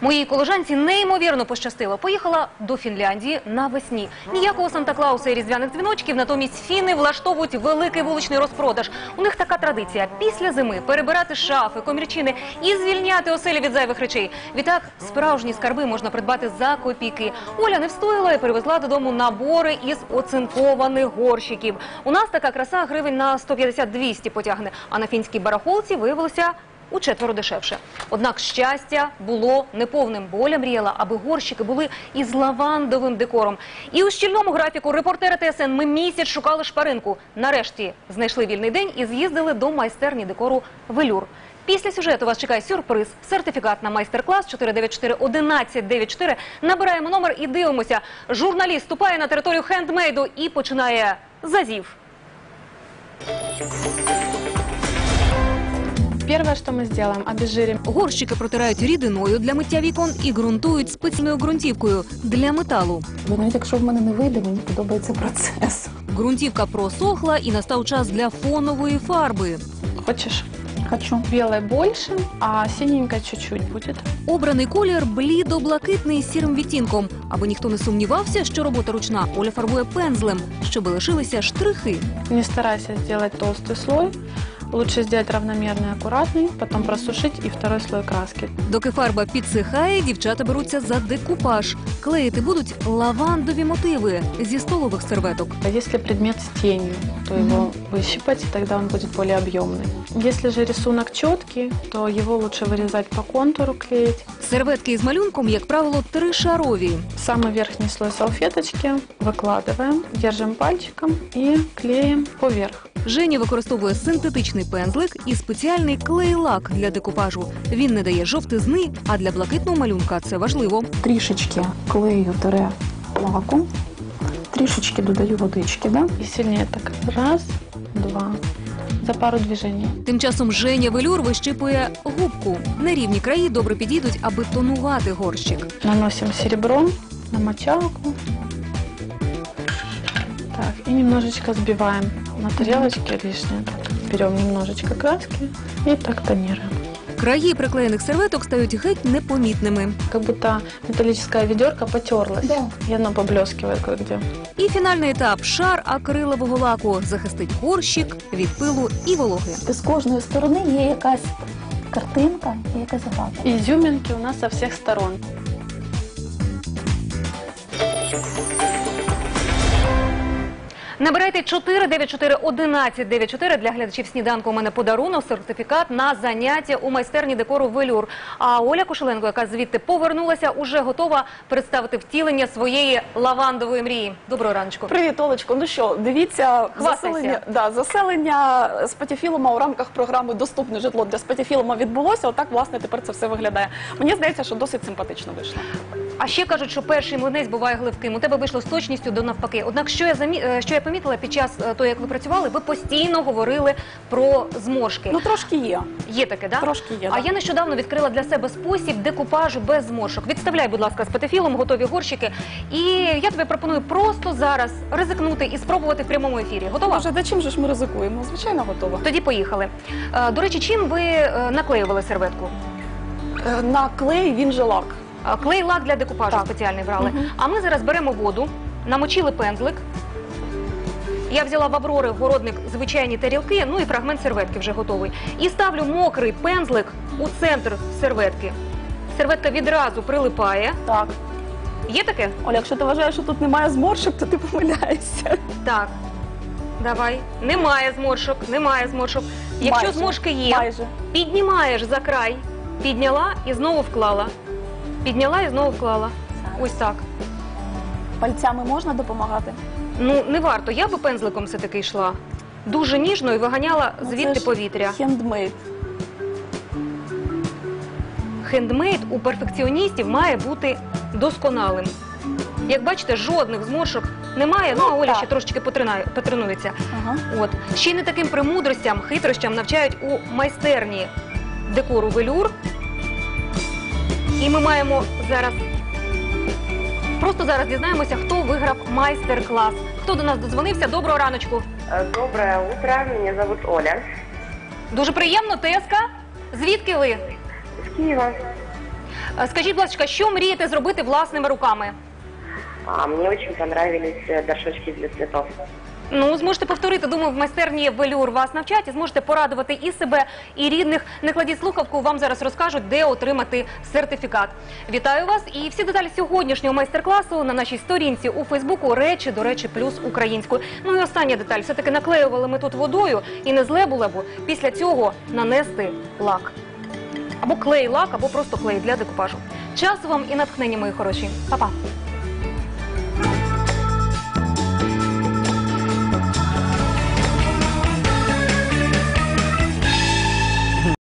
Моїй колежанці неймовірно пощастило. Поїхала до Фінляндії навесні. Ніякого Санта-Клауса і різдвяних дзвіночків, натомість фіни влаштовують великий вуличний розпродаж. У них така традиція – після зими перебирати шафи, комірчини і звільняти оселі від зайвих речей. Відтак справжні скарби можна придбати за копійки. Оля не встояла і привезла додому набори із оцинкованих горщиків. У нас така краса гривень на 150-200 потягне, а на фінській барахолці виявилося учетверо дешевше. Однак щастя було неповним. Бо Оля мріяла, аби горщики були із лавандовим декором. І у щільному графіку репортери ТСН ми місяць шукали шпаринку. Нарешті знайшли вільний день і з'їздили до майстерні декору «Велюр». Після сюжету вас чекає сюрприз – сертифікат на майстер-клас 494-1194. Набираємо номер і дивимося. Журналіст вступає на територію хендмейду і починає зазів. Первое, что мы сделаем, обезжирим. Горщики протирають рідиною для миття вікон і ґрунтують спеціальною ґрунтівкою для металу. Бо навіть якщо в мене не вийде, мені подобається процес. Ґрунтівка просохла і настав час для фонової фарби. Хочешь? Хочу. Белое больше, а синенькое чуть-чуть будет. Обраний колір блідо-блакитний з сірим відтінком. Аби ніхто не сумнівався, що робота ручна, Оля фарбує пензлем, щоб лишилися штрихи. Не старайся сделать толстый слой. Лучше сделать равномерный, аккуратный, потом просушить и второй слой краски. Доки фарба підсихає, дівчата беруться за декупаж. Клеїти будуть лавандові мотиви зі столових серветок. А если предмет с тенью, то его выщипать, и тогда он будет более объемный. Если же рисунок четкий, то его лучше вырезать по контуру, клеить. Серветки із малюнком, як правило, тришарові. Самый верхний слой салфеточки выкладываем, держим пальчиком и клеим поверх. Женя використовує синтетичний пензлик і спеціальний клей-лак для декупажу. Він не дає жовтизни, а для блакитного малюнка це важливо. Трішечки клею лаку, трішечки додаю водички, да? И сильнее так. Раз, два. За пару движений. Тим часом Женя Велюр вищипує губку. Нерівні краї добре підійдуть, аби тонувати горщик. Наносим серебром на мочалку. Так, и немножечко сбиваем на тарелочке лишнее. Берем немножечко краски и так тонируем. Краї приклеєних серветок стають геть непомітними. Как будто металлическая ведерко потерлась. Да. И оно поблескивает кое-где. І фінальний етап – шар акрилового лаку захистить горщик від пилу і вологи. З кожної сторони є якась картинка і якась загадка. Изюминки у нас со всех сторон. Набирайте 494-1194 для глядачів сніданку. У мене подарунок, сертифікат на заняття у майстерні декору «Велюр». А Оля Кошеленко, яка звідти повернулася, уже готова представити втілення своєї лавандової мрії. Доброго раночку. Привіт, Олечко. Ну що, дивіться, Хвастайся. заселення Спатіфілума у рамках програми «Доступне житло для Спатіфілума» відбулося. Отак, власне, тепер це все виглядає. Мені здається, що досить симпатично вийшло. А ще кажуть, що перший млинець буває гливким. У тебе вийшло з точністю до навпаки. Однак, що я помітила під час того, як ви працювали, ви постійно говорили про зморшки. Ну, трошки є. Є таке, да? Трошки є, А да. я нещодавно відкрила для себе спосіб декупажу без зморшок. Відставляй, будь ласка, Спатіфілум, готові горщики. І я тобі пропоную просто зараз ризикнути і спробувати в прямому ефірі. Готова? Боже, да чим же ж ми ризикуємо? Звичайно, готова. Тоді поїхали. До речі, чим ви наклеювали серветку? На клей він же лак. Клей-лак для декупажу Так. спеціальний брали. Мгм. А ми зараз беремо воду, намочили пензлик. Я взяла в Аврори городник звичайні тарілки, ну і фрагмент серветки вже готовий. І ставлю мокрий пензлик у центр серветки. Серветка відразу прилипає. Так. Є таке? Оля, якщо ти вважаєш, що тут немає зморшок, то ти помиляєшся. Так. Давай. Немає зморшок, немає зморшок. Якщо Майже. зморшки є, Майже. піднімаєш за край, підняла і знову вклала. Підняла і знову вклала. Ось так. Пальцями можна допомагати? Ну, не варто. Я би пензликом все-таки йшла. Дуже ніжно і виганяла Ну, звідти це ж повітря. Хендмейд. Хендмейд у перфекціоністів має бути досконалим. Як бачите, жодних зморшок немає, ну а Оля так. ще трошечки потренується. Ага. От. Ще й не таким премудростям, хитрощам навчають у майстерні декору «Велюр». І ми маємо зараз... Просто зараз дізнаємося, хто виграв майстер-клас. Хто до нас додзвонився? Доброго раночку. Доброе утро, меня зовут Оля. Дуже приємно, Теска. Звідки ви? Из Киева. Скажіть, будь ласка, що мрієте зробити власними руками? Мне очень понравились горшочки для цветов. Ну, зможете повторити, думаю, в майстерні «Велюр» вас навчать і зможете порадувати і себе, і рідних. Не кладіть слухавку, вам зараз розкажуть, де отримати сертифікат. Вітаю вас і всі деталі сьогоднішнього майстер-класу на нашій сторінці у Фейсбуку «Речі, до речі, плюс українською». Ну і остання деталь, все-таки наклеювали ми тут водою і не зле було б після цього нанести лак. Або клей-лак, або просто клей для декупажу. Часу вам і натхнення, мої хороші. Па-па!